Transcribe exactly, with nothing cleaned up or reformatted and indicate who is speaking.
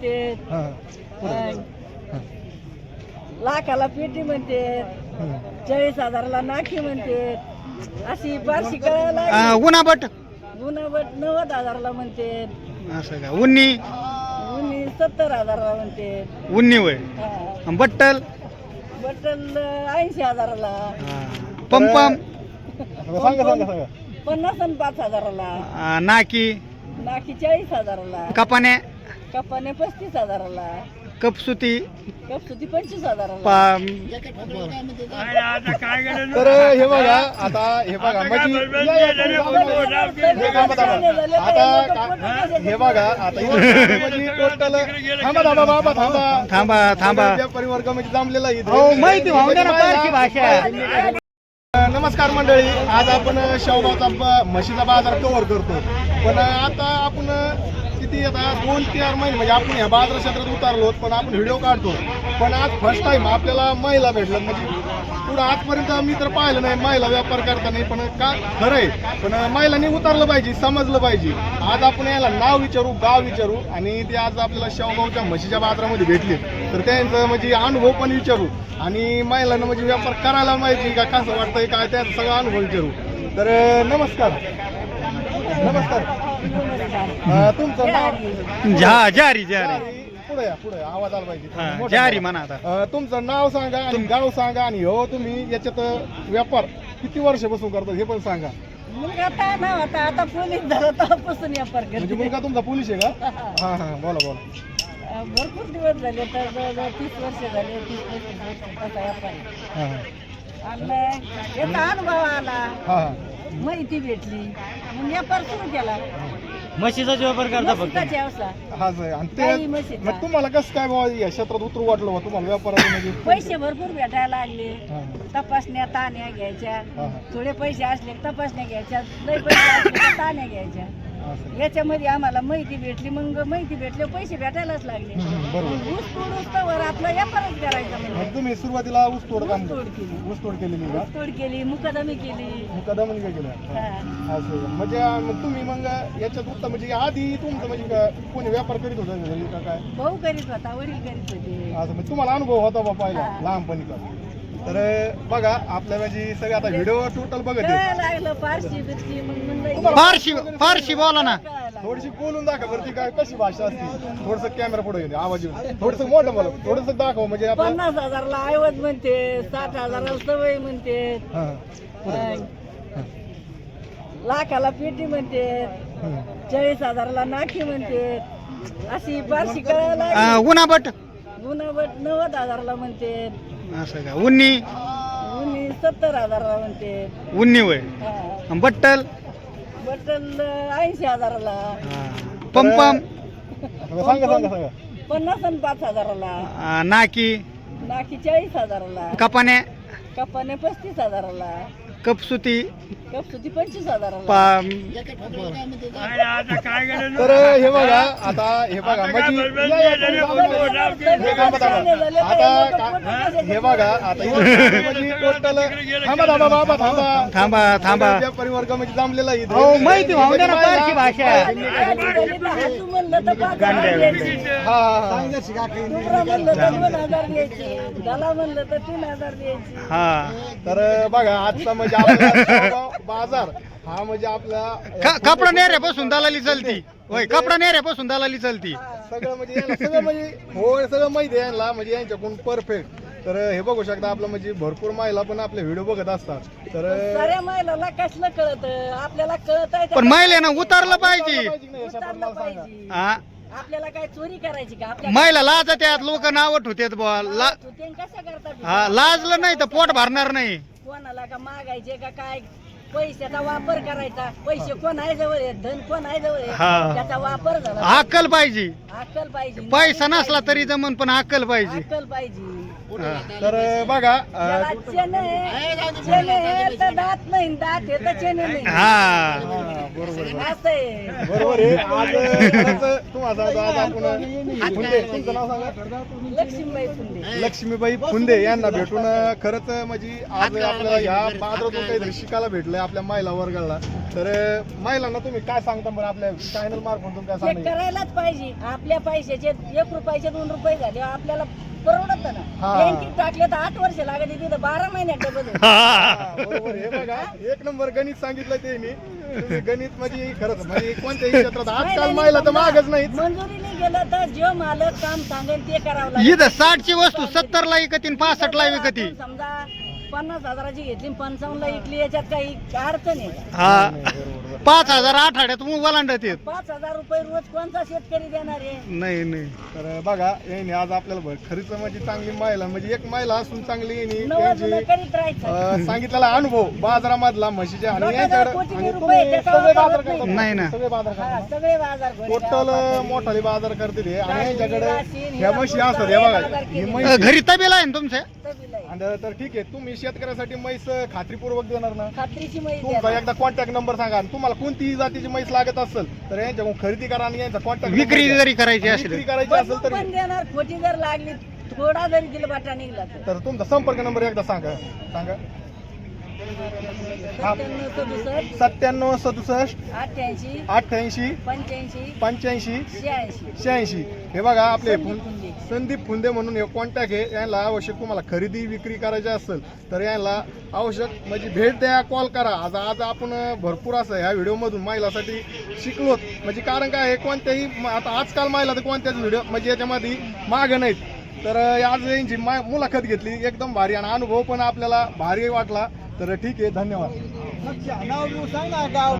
Speaker 1: म्हणते, लाखाला पेटी म्हणते, चाळीस हजाराला नाखी म्हणते, अशी बारशी कळायला
Speaker 2: उन्हाबट
Speaker 1: गुणाबट नव्वद हजाराला म्हणते,
Speaker 2: असं का उन्नी
Speaker 1: उन्नी सत्तर हजाराला म्हणते,
Speaker 2: उन्नी वय
Speaker 1: हा.
Speaker 2: बट्टल
Speaker 1: बटल ऐंशी हजाराला,
Speaker 2: पंपम
Speaker 1: पन्नास आणि पाच हजाराला,
Speaker 2: नाकी
Speaker 1: नाकी चाळीस हजाराला,
Speaker 2: कपाने
Speaker 1: कपाने पस्तीस हजाराला,
Speaker 2: कपसुती
Speaker 1: कपसुती पंचवीस हजाराला.
Speaker 2: पा-
Speaker 3: तर हे बघा आता हे बघा म्हणजे आता का- हे बघा आता म्हणजे टोटल थांबा थांबा बाबा थांबा
Speaker 2: थांबा थांबा
Speaker 3: व्यापारी वर्ग म्हणजे जमलेला इथे.
Speaker 2: हो माहिती होऊन द्या ना पारशी भाषा.
Speaker 3: नमस्कार मंडळी, आज आपण शेवगावचा ब- म्हशीचा बाजार कव्हर करतो. पण आता आपण किती आता दोन चार महिने म्हणजे आपण ह्या बाजार क्षेत्रात उतरलो, पण आपण व्हिडिओ काढतो. पण आज फर्स्ट टाइम आपल्याला महिला भेटलं. म्हणजे पुढं आजपर्यंत मी तर पाहिलं नाही महिला व्यापार करताना, पण का खरं आहे. पण महिलांनी उतरलं पाहिजे, समजलं पाहिजे. आज आपण याला नाव विचारू, गाव विचारू, आणि ते आज आपल्याला शेवगावच्या म्हशीच्या बाजारामध्ये भेटले, तर त्यांचं म्हणजे अनुभव पण विचारू, आणि महिलांना म्हणजे व्यापार करायला माहिती का कसं वाटतंय काय त्याचा सगळा अनुभव विचारू. तर नमस्कार नमस्कार अं, तुमचं नाव
Speaker 2: जा जारी जारी
Speaker 3: पुढे या पुढे आवाज आला पाहिजे.
Speaker 2: हा,
Speaker 3: मोठा
Speaker 2: जारी
Speaker 3: आवाज.
Speaker 2: म्हणा आता.
Speaker 3: अं, तुमचं नाव सांगा आणि गाव सांगा, आणि हो तुम्ही याच्यात व्यापार किती वर्षापासून करता हे पण सांगा.
Speaker 1: मुलगा आता ना होता, आता पोलीस झाला तेव्हापासून व्यापार
Speaker 3: म्हणजे
Speaker 1: करते.
Speaker 3: मुलगा तुमचा पोलीस आहे का? हा हा बोला बोला.
Speaker 1: अं, भरपूर दिवस झाले, तर जवळजवळ तीस वर्ष झाले, तीस पस्तीस वर्ष तसा व्यापार आहे.
Speaker 3: हा हा
Speaker 1: आणि याचा अनुभव आला,
Speaker 3: हा हा
Speaker 1: माहिती भेटली, मग व्यापार सुरू केला.
Speaker 2: म्हशीचा व्यापार करता फक्त.
Speaker 1: म्हशीचा व्यवसाय,
Speaker 3: हाच आहे. आणि
Speaker 1: काही
Speaker 3: ते
Speaker 1: म्हशीचा.
Speaker 3: मग तुम्हाला कसं काय बाबा या क्षेत्रात उतरू वाटलं बा तुम्हाला व्यापारात म्हणजे?
Speaker 1: पैसे भरपूर भेटायला लागले,
Speaker 3: हा,
Speaker 1: तपासण्या ताण्या घ्यायच्या,
Speaker 3: हा,
Speaker 1: थोडे पैसे असले की तपासण्या घ्यायच्या, लय पैसे असले की ताण्या घ्यायच्या.
Speaker 3: हा, असं.
Speaker 1: याच्यामध्ये आम्हाला माहिती भेटली, मग माहिती भेटले पैसे भेटायलाच लागले.
Speaker 3: हम्म, बरोबर.
Speaker 1: मग ऊस तोड ऊसतोवर आपला व्यापारच करायचा म्हणजे.
Speaker 3: मग तुम्ही सुरुवातीला ऊसतोड काम
Speaker 1: ऊसतोड केली.
Speaker 3: ऊसतोड केलेली का?
Speaker 1: ऊस तोड केली, मुकादमी केली.
Speaker 3: मुकादम काय केलं?
Speaker 1: हा.
Speaker 3: हा. असं म्हणजे मग तुम्ही मग याच्यात उत्तम म्हणजे आधी तुमचं म्हणजे का कोणी व्यापार करीत होता घरी का काय?
Speaker 1: भाऊ करीत होता, वडील करीत होते.
Speaker 3: असं म्हणजे तुम्हाला अनुभव होता बा पहिला
Speaker 1: हा.
Speaker 3: लहानपणीचा. तर बघा आपल्या म्हणजे सगळं आता व्हिडिओ टोटल बघत आहे.
Speaker 1: कळायला लागलं फारशी बिरशी, मग म्हणलं
Speaker 2: फारशी फारशी बोला ना.
Speaker 1: कळायला.
Speaker 3: थोडीशी बोलून दाखव बरं, ती काय कशी भाषा असते. थोडस कॅमेरा पुढे येते, आवाज येऊन थोडस मोठं बोला, थोडस दाखव म्हणजे आपलं.
Speaker 1: पन्नास हजारला ऐवज म्हणते, साठ हजाराला सवय म्हणते,
Speaker 3: हा, पुढे.
Speaker 1: अं, लाखाला पेटी म्हणते,
Speaker 3: हम्म.
Speaker 1: चाळीस हजाराला नाखी म्हणते, अशी बारशी कळायला लागली.
Speaker 2: उन्हाबट
Speaker 1: गुणाबट नव्वद हजाराला म्हणते,
Speaker 2: असं का उन्नी
Speaker 1: उन्नी सत्तर हजाराला म्हणते,
Speaker 2: उन्नी वय
Speaker 1: हा.
Speaker 2: बट्टल
Speaker 1: बटल ऐंशी हजाराला,
Speaker 2: पंपम
Speaker 3: सांगा सांगा सांगा.
Speaker 1: पन्नास आणि पाच हजाराला,
Speaker 2: नाकी
Speaker 1: नाकी चाळीस हजाराला,
Speaker 2: कपाने
Speaker 1: कपाने पस्तीस हजाराला,
Speaker 2: कपसुती
Speaker 1: कपसुती पंचवीस हजाराला.
Speaker 2: पा-
Speaker 3: तर हे बघा आता हे बघा म्हणजे हे थांबा, थांबा. आता का- हे बघा आता इथं म्हणजे टोटल थांबा थांबा बाबा थांबा
Speaker 2: थांबा थांबा
Speaker 3: व्यापारी वर्ग म्हणजे जमलेला इथे.
Speaker 2: हो माहिती होऊन द्या ना पारशी भाषा.
Speaker 1: हातू म्हणलं तर पाच हजार द्यायचे,
Speaker 3: हा हा हा
Speaker 1: दुसरा म्हणलं तर दोन हजार द्यायचे, दला म्हणलं तर तीन हजार द्यायचे.
Speaker 2: हा
Speaker 3: तर बघा आजचा म्हणजे आपला शेवगाव बाजार हा म्हणजे आपला
Speaker 2: क- कपडा नेऱ्यापासून दलाली चलती होय, कपडा नेऱ्यापासून दलाली चलती.
Speaker 3: सगळं म्हणजे याला सगळं म्हणजे होय सगळं माहिती आहे यांना म्हणजे यांच्याकडून परफेक्ट. तर हे बघू शकता आपलं म्हणजे भरपूर महिला पण आपले व्हिडिओ बघत असतात. तर
Speaker 1: साऱ्या महिलाला कसलं कळत, आपल्याला कळत आहे
Speaker 2: पण महिलेनं उतरलं पाहिजे.
Speaker 1: उतरलं पाहिजे.
Speaker 2: हा
Speaker 1: आपल्याला काय चोरी करायची का? आपल्या
Speaker 2: महिला लाज त्यात लोक नाव ठेवतात बुवा. ला
Speaker 1: ते कसं करतात?
Speaker 2: हा लाजलं नाही तर पोट भरणार नाही.
Speaker 1: कोणाला का मागायचे का काय? पैशाचा वापर करायचा. पैसे कोण आहे जवळ आहे, धन कोण आहे जवळ
Speaker 2: हा.
Speaker 1: आहे, त्याचा वापर झाला.
Speaker 2: अक्कल पाहिजे.
Speaker 1: अक्कल पाहिजे.
Speaker 2: पैसा नसला तरी जमन पण अक्कल पाहिजे.
Speaker 1: अक्कल पाहिजे.
Speaker 3: तर अं, बघा अं,
Speaker 1: त्याला चेने चेने हे तर दात नाही दात हे तर चेने नाही
Speaker 2: हा
Speaker 3: हा, बरोबर आहे.
Speaker 1: असं आहे
Speaker 3: बरोबर आहे आज खरंच तुम्हाला सांगतो आज आपण फुंदे तुमचं नाव सांगा
Speaker 1: लक्ष्मीबाई फुंदे
Speaker 3: लक्ष्मीबाई फुंदे यांना भेटून अं, खरंच म्हणजे आज आपल्याला ह्या बाजारातून काहीतरी शिकायला भेटलंय आपल्या महिला वर्गाला. तर अं, महिलांना तुम्ही काय सांगता बरं आपल्या चॅनल मार्फत काय
Speaker 1: हे
Speaker 3: सांगायचं
Speaker 1: करायलाच पाहिजे आपल्या पैशाचे एक रुपयाचे दोन रुपये झाले आपल्याला परवडत ना
Speaker 3: हा.
Speaker 1: बँकेत टाकले तर आठ वर्ष लागत तिथं बारा महिन्यात डबल होतं.
Speaker 3: हा, बरोबर हे बघा एक नंबर गणित सांगितलं त्यांनी तुम्ही गणित म्हणजे खरंच म्हणजे कोणत्याही क्षेत्रात आजकाल महिला तर मागच नाहीत.
Speaker 1: मंजुरीने गेलं तर जो मालक काम सांगेल ते करावं लागेल.
Speaker 2: इथं साठची वस्तू सत्तर ला विकती पासष्ट ला विकती.
Speaker 1: आपण समजा पन्नास हजाराची घेतली पंचावन्न ला विकली याच्यात काही अडचण आहे का?
Speaker 2: हा पाच हजार आठवड्यात ओलांडत येत.
Speaker 1: पाच हजार रुपये रोज कोणता शेतकरी देणार आहे
Speaker 2: नाही नाही
Speaker 3: तर बघा यांनी आज आपल्याला बघ खरीच म्हणजे चांगली महिला म्हणजे एक महिला असून चांगली यांनी
Speaker 1: नवं जुनं
Speaker 3: त्यांची
Speaker 1: करीत राहायचं
Speaker 3: अं, सांगितलेला अनुभव बाजारामधला म्हशीच्या आणि
Speaker 1: लोकांना
Speaker 3: यांच्याकडे
Speaker 1: कोटी
Speaker 3: आणि
Speaker 1: रुपये
Speaker 3: तुम्ही
Speaker 1: त्याचा
Speaker 3: सगळे
Speaker 1: वापर
Speaker 3: बाजार
Speaker 1: होत नाही.
Speaker 3: करता
Speaker 2: नाही ना.
Speaker 3: सगळे बाजार
Speaker 1: हा,
Speaker 3: करता
Speaker 1: सगळे बाजार घोडे
Speaker 3: टोटल
Speaker 1: गावात.
Speaker 3: मोठाले बाजार करते ते आणि
Speaker 1: राशीन,
Speaker 3: यांच्याकडे
Speaker 1: राशीन,
Speaker 3: ह्या म्हशी असतात हे बघा ही
Speaker 2: अ,
Speaker 3: म्हैस
Speaker 2: घरी तबेला आहे ना तुमच्या.
Speaker 1: तबीला आहे.
Speaker 3: आणि तर ठीक आहे तुम्ही शेतकऱ्यासाठी म्हैस खात्रीपूर्वक देणार ना
Speaker 1: खात्रीची माहिती
Speaker 3: तुमचा एकदा कॉन्टॅक्ट नंबर सांगा आणि तुम्हाला कोणतीही जातीची म्हैस लागत असेल तर यांच्याकडून खरेदी करा आणि यांचा कॉन्टॅक्ट
Speaker 2: विक्री जरी करायची
Speaker 3: विक्री
Speaker 2: असेल
Speaker 3: करायची असेल
Speaker 1: पण
Speaker 3: तरी
Speaker 1: देणार खोटी जर लागली थोडा जरी दिल बाटा निघला तर
Speaker 3: तर तुमचा संपर्क नंबर एकदा सांगा सांगा हा.
Speaker 1: सत्त्याण्णव सदुसष्ट
Speaker 3: सत्त्याण्णव सदुसष्ट
Speaker 1: अठ्ठ्याऐंशी
Speaker 3: अठ्ठ्याऐंशी
Speaker 1: पंच्याऐंशी
Speaker 3: पंच्याऐंशी
Speaker 1: शहाऐंशी
Speaker 3: शहाऐंशी हे बघा आपले
Speaker 1: संदीप
Speaker 3: फुं-
Speaker 1: फुंदे.
Speaker 3: संदीप फुंदे म्हणून हे कॉन्टॅक्ट आहे यांना आवश्यक तुम्हाला खरेदी विक्री करायची असेल तर यांना आवश्यक म्हणजे भेट द्या कॉल करा. आज आज आपण भरपूर असं ह्या व्हिडिओमधून महिलासाठी शिकलोत म्हणजे कारण काय आहे कोणत्याही म- आता आजकाल महिला तर कोणत्याच व्हिडिओ म्हणजे याच्यामध्ये मागं नाहीत. तर आज यांची मा- मुलाखत घेतली एकदम भारी आणि अनुभव पण आपल्याला भारी वाटला. तर ठीक आहे धन्यवाद.